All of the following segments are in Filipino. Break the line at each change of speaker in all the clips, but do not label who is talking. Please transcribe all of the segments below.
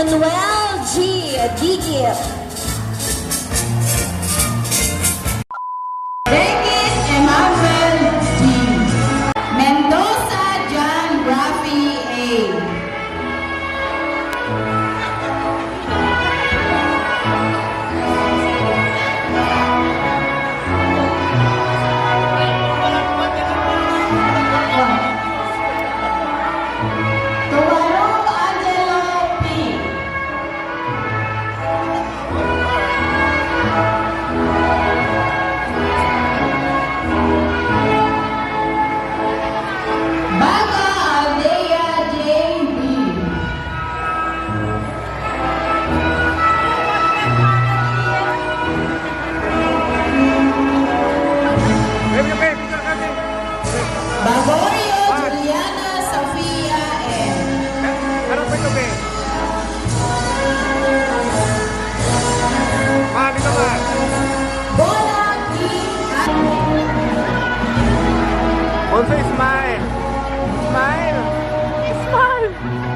Emmanuel G. Digit.
David Emmanuel G. Mendoza John Rafi A. Tuwarong Angelo P. Baga Aldea J.B. Bagorio Juliana Sofia M.
Harap mo ito, be. Dito ka.
Bola P.
Also, smile. Smile. Smile.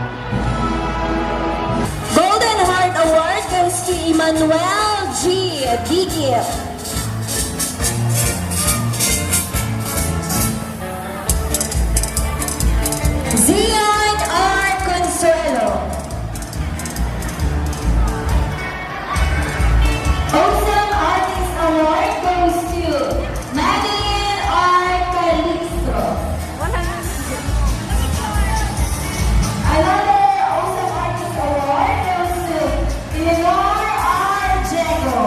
Golden Heart Award goes to Emmanuel G. Digit. Zion R. Consuelo. Awesome Artist Award goes to Madeline R. Calixto. Another Awesome Artist Award goes to Eleanor R. Jago.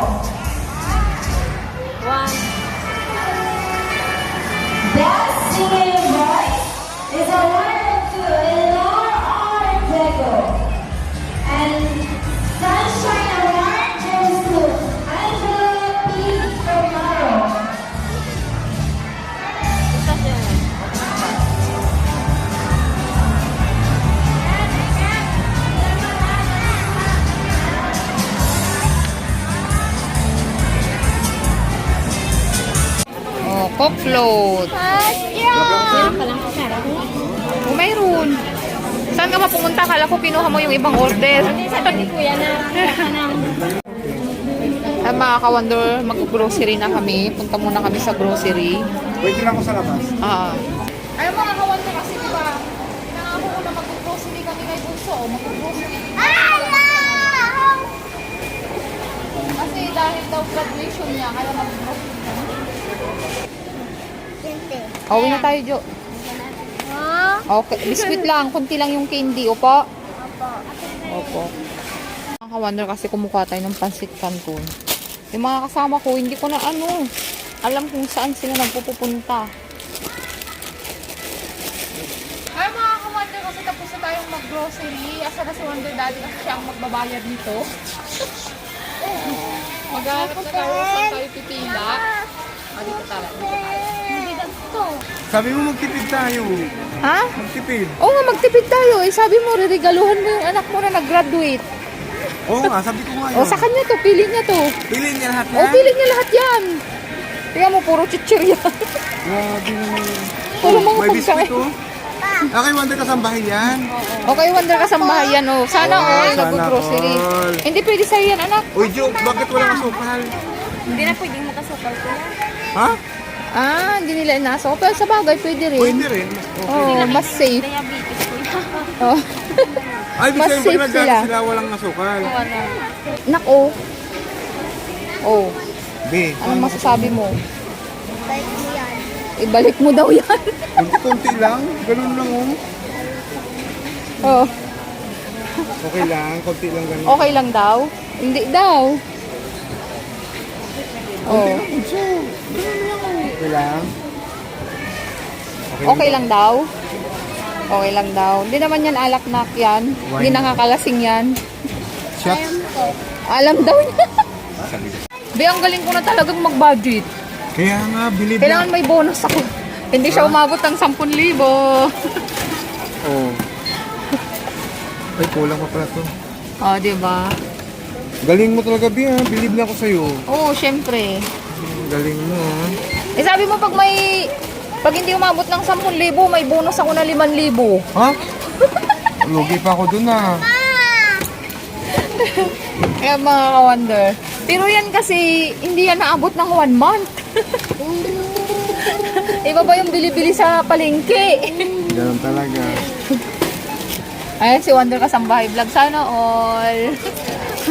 Best Singing Voice is awarded to Eleanor R. Jago. And Sunshine Award goes to Angela P. Romero.
Oh, Coke float. Oh, mayroon. Saan ka mapumunta? Kala ko kinuha mo yung ibang order.
Sabi ko yan na
Ay, mga ka-wonder, mag-grocery na kami. Punta muna kami sa grocery.
Wait lang ako sa labas.
Ay, mga ka-wonder kasi diba, pinangako ko na mag-grocery kami kay Bunso. Mag-grocery. Kasi dahil daw graduation niya, kaya mag-grocery kami. Uwi na tayo, Jo. Okay, biscuit lang. Kunti lang yung candy. Opo? Opo. Mga ka-wonder kasi kumukuha tayo ng pansit canton. Yung mga kasama ko, hindi ko na alam kung saan sila nagpupunta. Ay, mga ka-wonder kasi tapos na tayong mag-grocery. Asa na si Wonder Daddy kasi siya ang magbabayad nito. Maghanap na saan tayo pipila. Dito tayo.
Sabi mo magtipid tayo.
Ha?
Magtipid.
Oo nga, magtipid tayo. Eh, sabi mo, regaluhan mo yung anak mo na nag-graduate.
Oo nga, sabi ko nga yun.
O, sa kanya to. Pili niya to.
Pili niya lahat
O, pili niya lahat yan. Tingnan mo, puro chichirya.
Grabe naman.
Puro mga
May biscuit
pagkain.
oh. Okay, Wonder, kasambahin yan.
Okay, Wonder, kasambahay yan. O, sana all
sana
nag-grocery.
all.
Hindi pwede sa'yo yan, anak.
Uy, Jo, bakit walang asukal?
hindi na pwedeng makasukal ko yan.
Ha?
Ah, hindi nila inaso. Pero sa bagay, pwede rin.
Pwede rin. Okay.
Oo, mas safe.
Diabetes ko yan.
Oh.
Ay,
Mas
bisa yung
safe
pag nagkano
sila.
sila walang asukal.
Nako. Oh,
Be,
anong masasabi mo? Ibalik mo daw yan.
konti lang. Ganun lang oh.
Oh,
Okay lang, konti lang ganun.
okay lang daw? Hindi daw. Oh,
Okay lang.
okay lang daw? Okay lang daw. Hindi naman yan alak-nak yan. Hindi nakakalasing yan.
Shots.
Alam daw niya. Be, ang galing ko na talagang mag-budget.
Kaya nga, believe
Kailangan may bonus ako. Hindi siya umabot ng 10,000.
Oh. Ay, kulang pa pala to.
Oh, di ba?
Galing mo talaga, Bia. Believe na ako sa'yo.
Oo, syempre.
Galing mo, ha?
Eh, sabi mo pag hindi umabot ng 10,000, may bonus ako na 5,000.
Ha? Lugi pa ako dun, ha?
Kaya mga ka-wonder. Pero yan kasi, hindi yan naabot ng 1 month. Iba ba yung bili-bili sa palengke?
Ganun talaga.
Ayan si Wonder Kasambahay Vlog. Sana all.